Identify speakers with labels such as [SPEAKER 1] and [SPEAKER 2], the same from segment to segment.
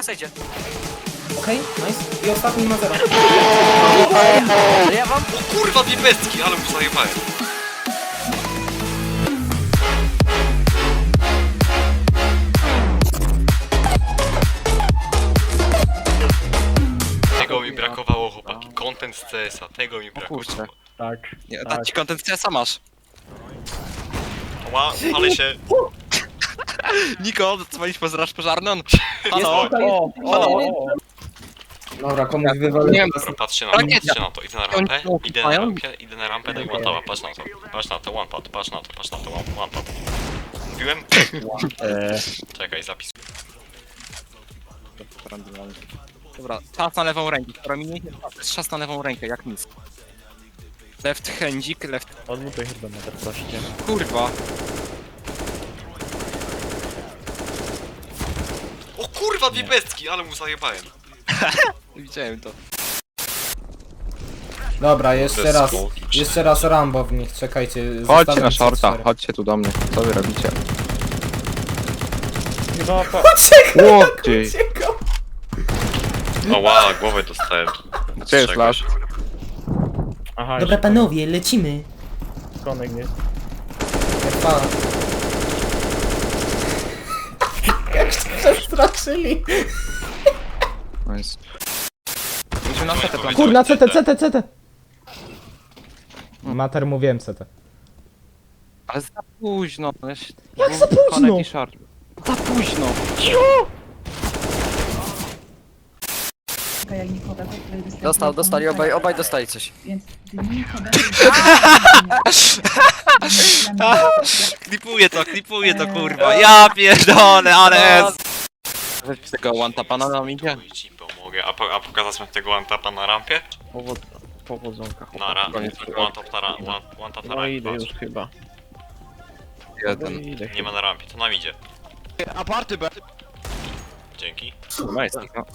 [SPEAKER 1] na sejdzie.
[SPEAKER 2] Okej, nice. I ostatni ma 0.
[SPEAKER 1] Ja wam...
[SPEAKER 3] O kurwa, dwie pestki, ale mu zajebałem. Tego mi brakowało, chłopaki. Content z CS-a, tego mi brakowało.
[SPEAKER 4] kurczę.
[SPEAKER 5] Tak.
[SPEAKER 4] Nie, dać ci content CS-a masz.
[SPEAKER 3] Ła, ale się...
[SPEAKER 4] Niko, dzwonić straż pożarną?
[SPEAKER 3] Halo?
[SPEAKER 5] O.
[SPEAKER 2] Dobra, komuś wywalę.
[SPEAKER 4] Nie wiem,
[SPEAKER 3] Dobra, patrzcie na
[SPEAKER 4] Ale
[SPEAKER 3] to,
[SPEAKER 4] nie,
[SPEAKER 3] patrzcie na to. Idę na rampę, idę na rampę, daj one topa, patrz na to. Patrz na to, one pot, patrz na to, one pot. Mówiłem? Czekaj, zapis.
[SPEAKER 4] Dobra, czas na lewą rękę, która mi nie jest czas na lewą rękę, jak nic. Left handzik, left...
[SPEAKER 5] Odmutuj chyba na te proszę.
[SPEAKER 4] Kurwa.
[SPEAKER 3] O kurwa, dwie pestki, ale mu zajebałem.
[SPEAKER 4] Widziałem to.
[SPEAKER 2] Dobra, jeszcze
[SPEAKER 3] Bez
[SPEAKER 2] raz.
[SPEAKER 3] skoki,
[SPEAKER 2] Jeszcze raz Rambo w nich, czekajcie.
[SPEAKER 6] Chodźcie
[SPEAKER 2] zostawiam
[SPEAKER 6] na shorta,
[SPEAKER 2] C4.
[SPEAKER 6] chodźcie tu do mnie. Co wy robicie?
[SPEAKER 5] Chyba po...
[SPEAKER 6] Ło, gdzie?
[SPEAKER 3] O ła, głowę dostałem.
[SPEAKER 6] Gdzie jest flash?
[SPEAKER 5] Aha,
[SPEAKER 2] Dobra panowie, lecimy.
[SPEAKER 5] konek nie.
[SPEAKER 2] Pa. Jak się przestraszyli.
[SPEAKER 6] Nice.
[SPEAKER 4] Musimy na setę plan.
[SPEAKER 2] Kurna, CT. Mater, mówiłem CT.
[SPEAKER 4] Ale za późno.
[SPEAKER 2] Jak za późno?
[SPEAKER 4] Connect i short. Za późno.
[SPEAKER 1] Dostali, obaj dostali coś.
[SPEAKER 7] Więc
[SPEAKER 4] Klipuję to kurwa. Ja pierdolę, ale z tego one tapa na nam idzie.
[SPEAKER 3] Chuj ci pomogę. A pokazać mi tego one tapa na rampie?
[SPEAKER 5] Powodzonka.
[SPEAKER 3] Na rampie.
[SPEAKER 6] Koniec.
[SPEAKER 3] One tap na rampie. One tap na
[SPEAKER 5] No idę
[SPEAKER 3] rampie.
[SPEAKER 5] już chyba.
[SPEAKER 4] Jeden.
[SPEAKER 5] Idę
[SPEAKER 3] Nie ma na rampie, to nam idzie.
[SPEAKER 4] Aparty B.
[SPEAKER 3] Dzięki.
[SPEAKER 6] Nice.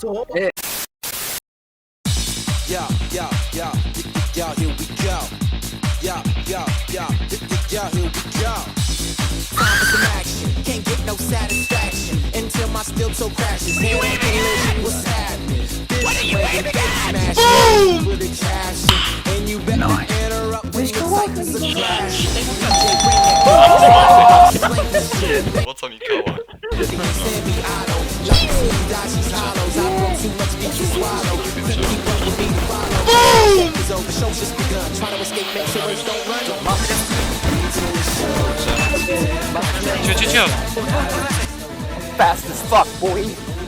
[SPEAKER 8] Yeah, here we go. Yeah, here we go. Time for some action. Can't get no satisfaction until my steel toe crashes. Head on collision, what's happening? This way, the face smashing. With the cash, and you better interrupt when the cycles are crashing. DJ, bring it.
[SPEAKER 3] Po co mi koła?
[SPEAKER 4] Cio.
[SPEAKER 1] Fast as fuck, boy.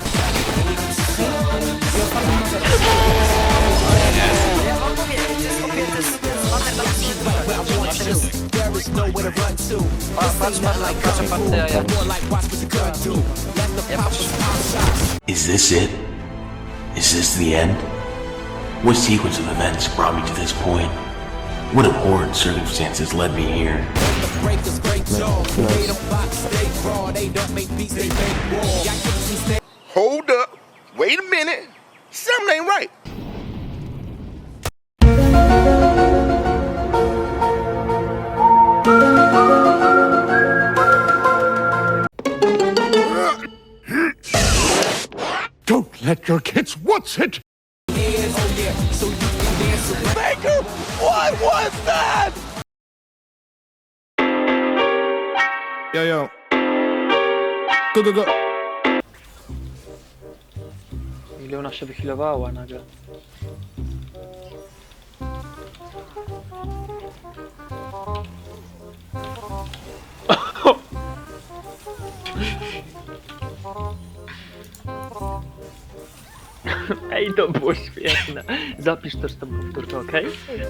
[SPEAKER 1] Ja wam mówię, to jest kobiety, to jest patrzę partia, ja patrzę.
[SPEAKER 9] Is this it? Is this the end? What sequence of events brought me to this point? What abhorrent circumstances led me here?
[SPEAKER 8] Hold up. Wait a minute. Something ain't right.
[SPEAKER 9] Don't let your kids watch it!
[SPEAKER 8] Baker, what was that?
[SPEAKER 2] Yo. Go.
[SPEAKER 1] Ile ona się wychilowała nagle.
[SPEAKER 5] Ej, to było świetne. Zapisz też tą powtórkę, okej?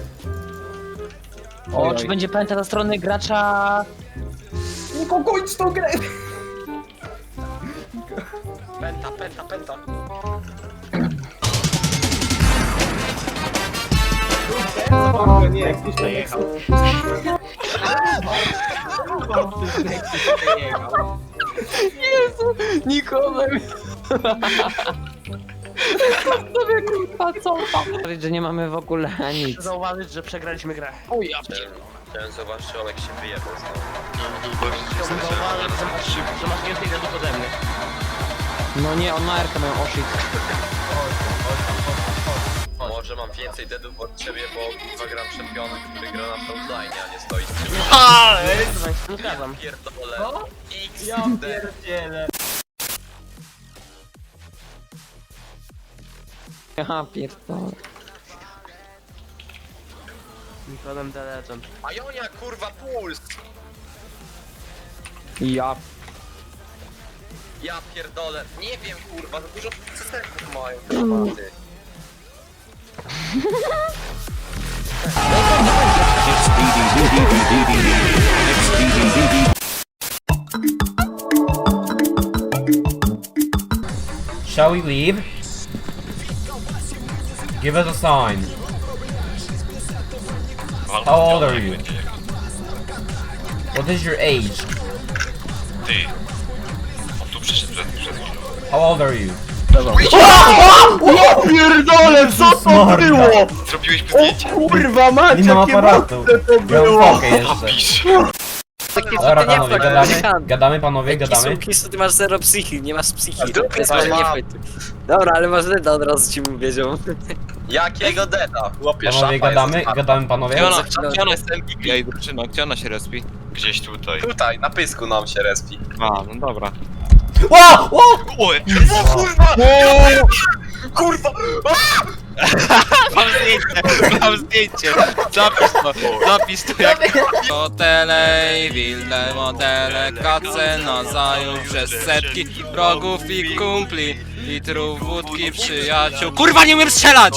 [SPEAKER 1] O, czy będzie pamięta ze strony gracza...
[SPEAKER 2] Niko, kończ tą grę!
[SPEAKER 1] Penta.
[SPEAKER 2] Nie, jakiś to jechał.
[SPEAKER 1] Jezu, Nikodem. Sobie kurwa, co tam? Że nie mamy w ogóle nic.
[SPEAKER 5] Zauważyć, że przegraliśmy grę.
[SPEAKER 1] O ja
[SPEAKER 3] Chciałem zobaczyć, czy Olek się wyjebał znowu.
[SPEAKER 5] Zauważyć, że masz więcej deadów ode mnie.
[SPEAKER 1] No nie, on ma R-kę mają, o shit.
[SPEAKER 7] Może mam więcej deadów od ciebie, bo kurwa gram czempiona, który gra na frontline, a nie stoi z tyłu.
[SPEAKER 5] Zgadzam.
[SPEAKER 7] Pierdolę. X,
[SPEAKER 2] Ja
[SPEAKER 7] D.
[SPEAKER 2] pierdzielę.
[SPEAKER 1] Ja pierdolę.
[SPEAKER 5] Nikodem the Legend.
[SPEAKER 7] A Jonia kurwa puls!
[SPEAKER 1] Ja...
[SPEAKER 7] Ja pierdolę. Nie wiem kurwa, za dużo systemów mają te szmaty.
[SPEAKER 10] Shall we leave? Give us a sign. How old are you? What is your age?
[SPEAKER 3] Ty. On tu przyszedł przed chwilą.
[SPEAKER 10] How old are you?
[SPEAKER 2] Ja pierdolę, co to było?
[SPEAKER 3] Zrobiłeś mu zdjęcie?
[SPEAKER 2] Kurwa mać,
[SPEAKER 10] Nie mam
[SPEAKER 2] jakie
[SPEAKER 10] aparatu.
[SPEAKER 2] mocne to
[SPEAKER 10] Ja mam
[SPEAKER 2] było.
[SPEAKER 10] fokę jeszcze.
[SPEAKER 3] Napisz.
[SPEAKER 10] Dobra panowie, gadamy panowie, gadamy.
[SPEAKER 5] Ty masz zero psychi, nie masz psychi.
[SPEAKER 7] Więc może nie
[SPEAKER 5] wchodź. Dobra, ale masz leda od razu ci mu wiedział.
[SPEAKER 7] Jakiego deda? Chłopie,
[SPEAKER 10] Panowie,
[SPEAKER 7] szapa
[SPEAKER 10] gadamy,
[SPEAKER 7] jest
[SPEAKER 10] gadamy panowie.
[SPEAKER 4] Gdzie ona jest MVP? Ej, drużyno, gdzie ona się respi?
[SPEAKER 3] Gdzieś tutaj.
[SPEAKER 7] tutaj, na pysku nam się respi.
[SPEAKER 4] A, no dobra.
[SPEAKER 10] Ło! Ło!
[SPEAKER 3] Oj!
[SPEAKER 7] Kurwa!
[SPEAKER 4] Mam zdjęcie, zapisz to jak... Motele i wilde motele, kace zajął przez setki wrogów i kumpli, litrów wódki, przyjaciół. Kurwa, nie umiem strzelać!